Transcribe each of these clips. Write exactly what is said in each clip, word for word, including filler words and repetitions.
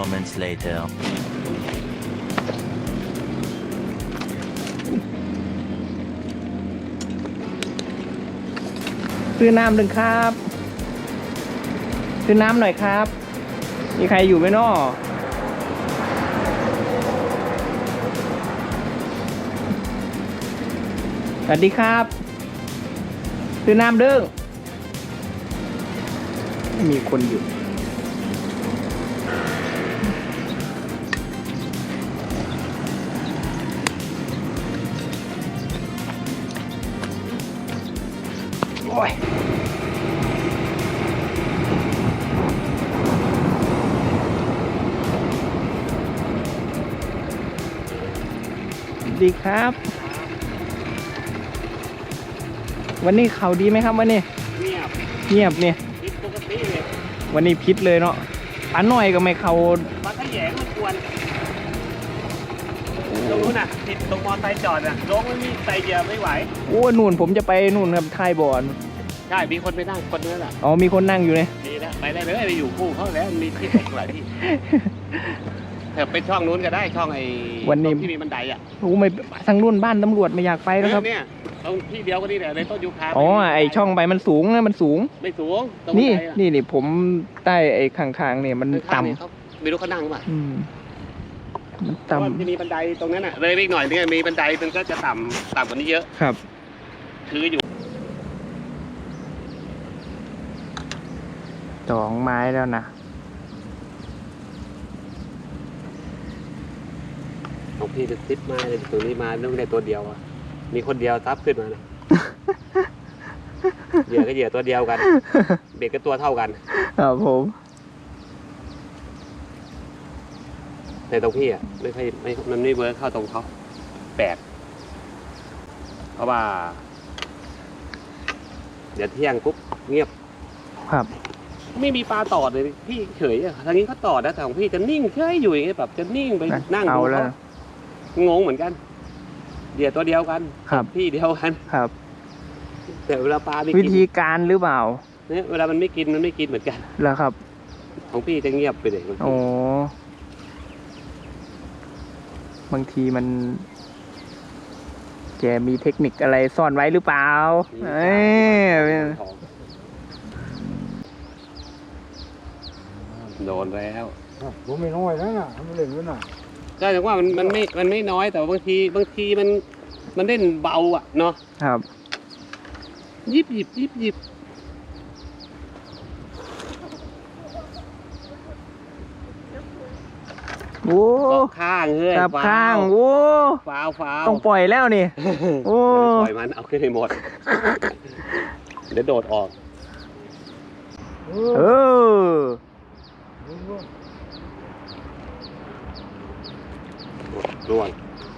moments later. ซื้อน้ำหนึ่งครับซื้อน้ำหน่อยครับมีใครอยู่ไหมน้อสวัสดีครับซื้อน้ำเด้งไม่มีคนอยู่โอ้ยดีครับวันนี้เขาดีไหมครับวันนี้เงียบเงียบเนี่ยพิษปกติเลยวันนี้พิษเลยเนาะปลาหน่อยก็ไม่เขาปลาขยงมันกวนตรงนู้นน่ะติดตรงมอไซค์จอดน่ะลงไม่มีไซเดียไม่ไหวโอ้หนุนผมจะไปนู่นครับท้ายบ่อนใช่มีคนไปนั่งคนนึงแหละอ๋อมีคนนั่งอยู่เนี่ยดีแล้วไปได้เลยไปอยู่คู่เขาแล้วมีที่ตกหลายที่เถอะไปช่องนู้นก็ได้ช่องไอ้วันนี้ที่มีบันไดอ่ะโอ้ไม่ทางนู่นบ้านตำรวจไม่อยากไปแล้วครับเนี่ยตรงที่เดียวก็นี่แหละในต้นยูคาอ๋อไอช่องใบมันสูงนะมันสูงไม่สูงนี่นี่นี่ผมใต้ไอ้ข้างๆเนี่ยมันต่ำไม่รู้เขานั่งป่ะมันต่ำที่มีบันไดตรงนั้นอ่ะเลยไปอีกหน่อยนึงมีบันไดมันก็จะต่ำต่ำกว่านี้เยอะครับถืออยู่สองไม้แล้วนะของพี่จะซิปมาเลยตัวนี้มาต้องได้ตัวเดียวอ่ะมีคนเดียวซับขึ้นมานะเหยื่อก็เหยื่อตัวเดียวกันเบ็ดก็ตัวเท่ากันครับผมแต่ตรงพี่อ่ะไม่ค่อยไม่มันไม่เวิร์คเข้าตรงเขาแปลกเพราะว่าเดี๋ยวเที่ยงปุ๊บเงียบครับไม่มีปลาตอดเลยพี่เฉยอ่ะทางนี้ก็ตอดนะแต่ของพี่จะนิ่งเฉยอยู่อย่างเงี้ยแบบจะนิ่งไปนั่งดูเขางงเหมือนกันเหยื่อตัวเดียวกันครับพี่เดียวกันครับแต่เวลาปลาไม่กินวิธีการหรือเปล่าเนี่ยเวลามันไม่กินมันไม่กินเหมือนกันแล้วครับของพี่จะเงียบไปเลยโอ้บางทีมันแกมีเทคนิคอะไรซ่อนไว้หรือเปล่าเอ้ยโดนแล้วผมไม่น้อยนะน่ะทำเล่นด้วยน่ะก็ถึงว่ามันมันไม่มันไม่น้อยแต่บางทีบางทีมันมันเล่นเบาอ่ะเนาะครับยิบหยิบยิบหยิบโอ้ข้างเฮ้ยจับข้างโอ้ฟาวฟาวต้องปล่อยแล้วนี่โอ้ปล่อยมันเอาขึ้นให้หมดเดี๋ยวโดดออกเออร่วง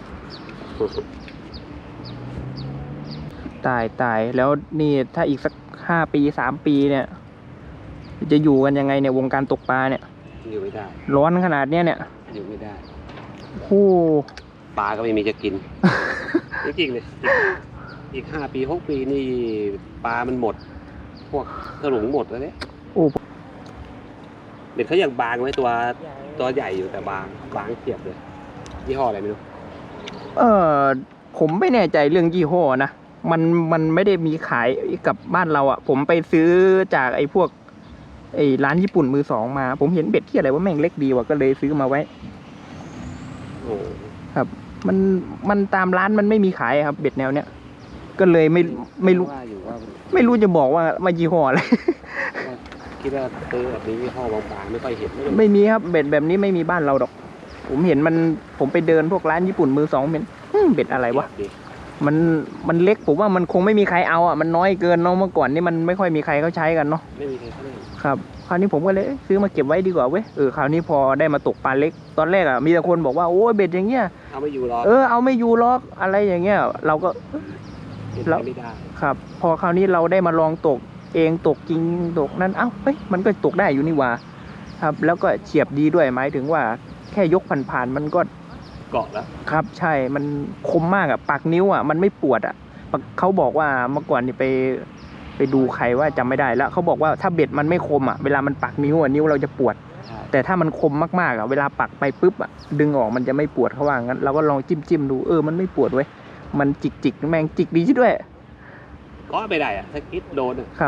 ตายตายแล้วนี่ถ้าอีกสักห้าปีสามปีเนี่ยจะอยู่กันยังไงเนี่ยวงการตกปลาเนี่ยอยู่ไม่ได้ร้อนขนาดเนี้ยเนี่ยอยู่ไม่ได้โอ้ปลาก็ไม่มีจะกินจริงๆเลยอีกห้าปีหกปีนี่ปลามันหมดพวกกระหลงหมดแล้วเนี่ยโอ้เด็กเขายังบางไว้ตัวตัวใหญ่อยู่แต่บางบางเทียบเลยยี่ห้ออะไรไม่รู้เออผมไม่แน่ใจเรื่องยี่ห้อนะมันมันไม่ได้มีขายกับบ้านเราอ่ะผมไปซื้อจากไอ้พวกไอ้ร้านญี่ปุ่นมือสองมาผมเห็นเบ็ดที่อะไรว่าแม่งเล็กดีว่ะก็เลยซื้อมาไว้โอ้ครับมันมันตามร้านมันไม่มีขายครับเบ็ดแนวเนี้ยก็เลยไม่ไม่รู้ไม่รู้จะบอกว่าว่ายี่ห้ออะไรคิดว่าซื้อแบบนี้ยี่ห้อบางๆไม่ค่อยเห็นไม่มีครับเบ็ดแบบนี้ไม่มีบ้านเราดอกผมเห็นมันผมไปเดินพวกร้านญี่ปุ่นมือสองเห็นเบ็ดอะไรวะมันมันเล็กผมว่ามันคงไม่มีใครเอาอ่ะมันน้อยเกินเนาะเมื่อก่อนนี่มันไม่ค่อยมีใครเขาใช้กันเนาะไม่มีใครเขาเล่นครับคราวนี้ผมก็เลยซื้อมาเก็บไว้ดีกว่าเว้ยเออคราวนี้พอได้มาตกปลาเล็กตอนแรกอ่ะมีแต่คนบอกว่าโอ้ยเบ็ดอย่างเงี้ยเอาไม่อยู่หรอกเออเอาไม่อยู่หรอกอะไรอย่างเงี้ยเราก็เราไม่ได้ครับพอคราวนี้เราได้มาลองตกเองตกจริงตกนั้นเอ้าเฮ้ยมันก็ตกได้อยู่นี่ว่าครับแล้วก็เฉียบดีด้วยหมายถึงว่าแค่ยกผ่านๆมันก็เกาะแล้วครับใช่มันคมมากอ่ะปากนิ้วอ่ะมันไม่ปวดอ่ะเขาบอกว่าเมื่อก่อนนี่ไปไปดูใครว่าจำไม่ได้แล้วเขาบอกว่าถ้าเบ็ดมันไม่คมอ่ะเวลามันปักนิ้วอ่ะนิ้วเราจะปวดแต่ถ้ามันคมมากๆอ่ะเวลาปักไปปุ๊บอ่ะดึงออกมันจะไม่ปวดเขาว่างั้นเราก็ลองจิ้มจิ้มดูเออมันไม่ปวดเว้ยมันจิกจิกแมงจิกดีด้วยก็ไม่ได้อ่ะถ้าคิดโดนครับ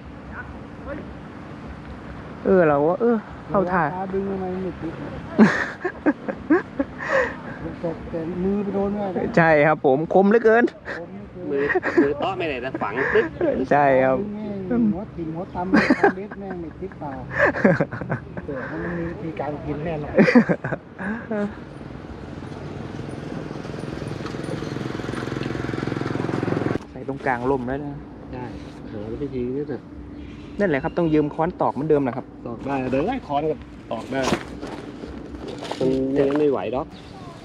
เออเราว่าเออเข้าท่าดึงทำไมไม่ติดแต่มือไปโดนด้วยใช่ครับผมคมเหลือเกินมือมือต้อไม่ได้นะฝังปึ๊บใช่ครับหัวติ่งหัวตำเล็ดแม่งไม่ติดปากเกิดมันมีวิธีการกินแน่นอนใส่ตรงกลางล่มแล้วนะใช่หาวิธีนี้นะนั่นแหละครับต้องยืมค้อนตอกเหมือนเดิมนะครับตอกได้เดี๋ยวไล่ค้อนกับตอกได้มันยังไม่ไหวหรอก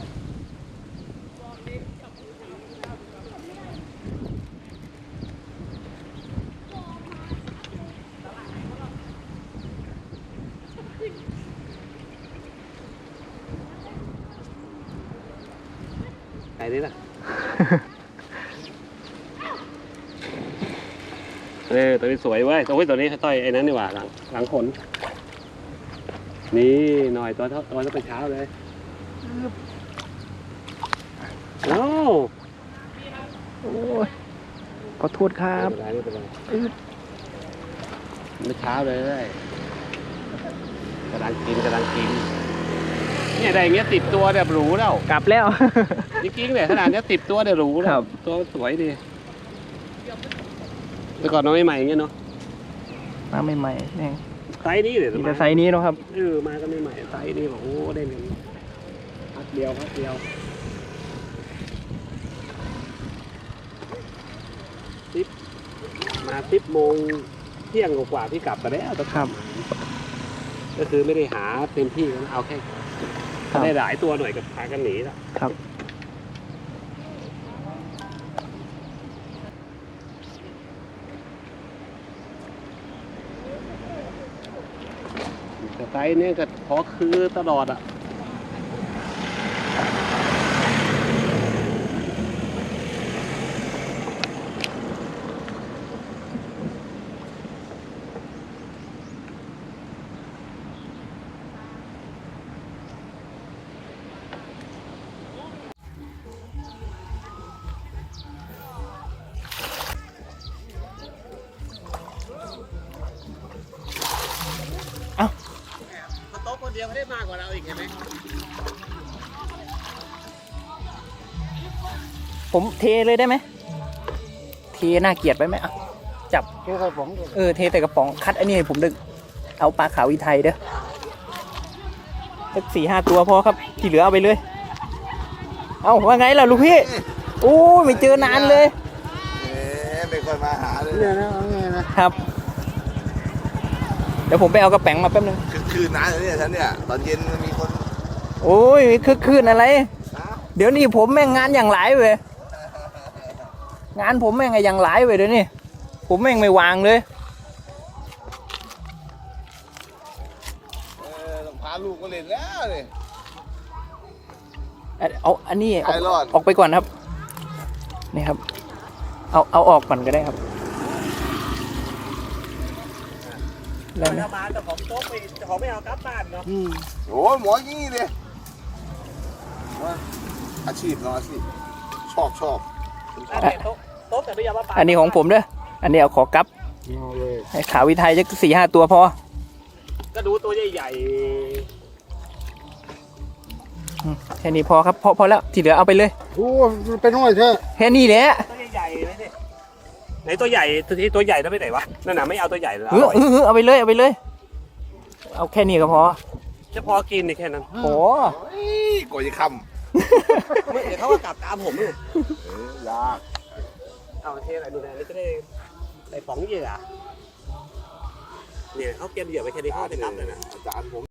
ไอ้นี่ล่ะเออตัวนี้สวยเว้ยตัวนี้ตัวนี้ต้อยไอ้นั้นนี่หว่าหลังหลังขนนี่หน่อยตัวเท่าตัวต้องไปเช้าเลยโอ้โอ้ยขอโทษครับไม่เป็นไรไม่เช้าเลยกำลังกินกำลังกินเนี่ยได้อย่างเงี้ยติดตัวแบบหรูแล้วกลับแล้วจริงๆเนี่ยขนาดนี้ติดตัวเดี๋ยวหรูแล้วตัวสวยดีแต่ก่อนน้องใหม่ๆอย่างเงี้ยเนาะมาใหม่ๆนี่ไซส์นี้เลยแต่ไซส์นี้เนาะครับเออมากันใหม่ๆไซส์นี้บอกโอ้ได้เงินพักเดียวพักเดียวสิบมาสิบโมงเที่ยงกว่าที่กลับกันแล้วครับก็คือไม่ได้หาเต็มที่นะเอาแค่ได้หลายตัวหน่อยกับพากันหนีแล้วครับแต่ไซส์นี้ก็พอคือตลอดอ่ะโต๊ะคนเดียวเขาได้มากกว่าเราอีกเห็นไหมผมเทเลยได้ไหมเทน่าเกลียดไปไหมอ่ะจับเทใส่กระป๋องเออเทใส่กระป๋องคัดอันนี้ให้ผมดึกเอาปลาขาวอีไทยเด้อสักสี่ห้าตัวพอครับที่เหลือเอาไปเลยเอาว่าไงล่ะลูกพี่โอ้ไม่เจอนานเลยเอ๊ะไม่ค่อยมาหาเลยเนี่ยนะเอาไงนะครับเดี๋ยวผมไปเอากระแป๋งมาแป๊บนึงคือคืนนานเลยเนี่ยฉันเนี่ยตอนเย็นมีคนโอ้ยคือคืนอะไรเดี๋ยวนี้ผมแม่งงานอย่างหลายเว้ยงานผมแม่งอย่างหลายเว้ยเดี๋ยวนี้ผมแม่งไม่วางเลยเออต้องพาลูกมาเล่นแล้วเลยเอาอันนี้ออกออกไปก่อนครับนี่ครับเอาเอาออกก่อนก็ได้ครับแล้วนะมาแต่ของโต๊ะไปของไม่เอากลับบ้านเนาะโอ้หมอยี่เลยอาชีพเนาะอาชีพชอบชอบโต๊ะแต่ไม่ยอมมาปาอันนี้ของผมเด้ออันนี้เอาขอกลับให้ขาววิไทยจะสี่ห้าตัวพอก็ดูตัวใหญ่ๆแค่นี้พอครับพอพอแล้วที่เหลือเอาไปเลยโอ้เป็นน้อยเถอะแค่นี้แหละตัวใหญ่ๆเลยนี่ไหนตัวใหญ่ตัวที่ตัวใหญ่ต้องไปไหนวะนั่นน่ะไม่เอาตัวใหญ่เลยเออเออเอาไปเลยเอาไปเลยเอาแค่นี้ก็พอจะพอกินในแค่นั้นโอ้ยก่อยคำเดี๋ยวเขาก็กลับตามผมเลยยากเอาเทอะไรดูแลนี่จะได้ใส่ป๋องเหยื่อเนี่ยเขาเก็บเหยื่อไปแค่นี้เขาจะกลับเลยนะอาจารย์ผม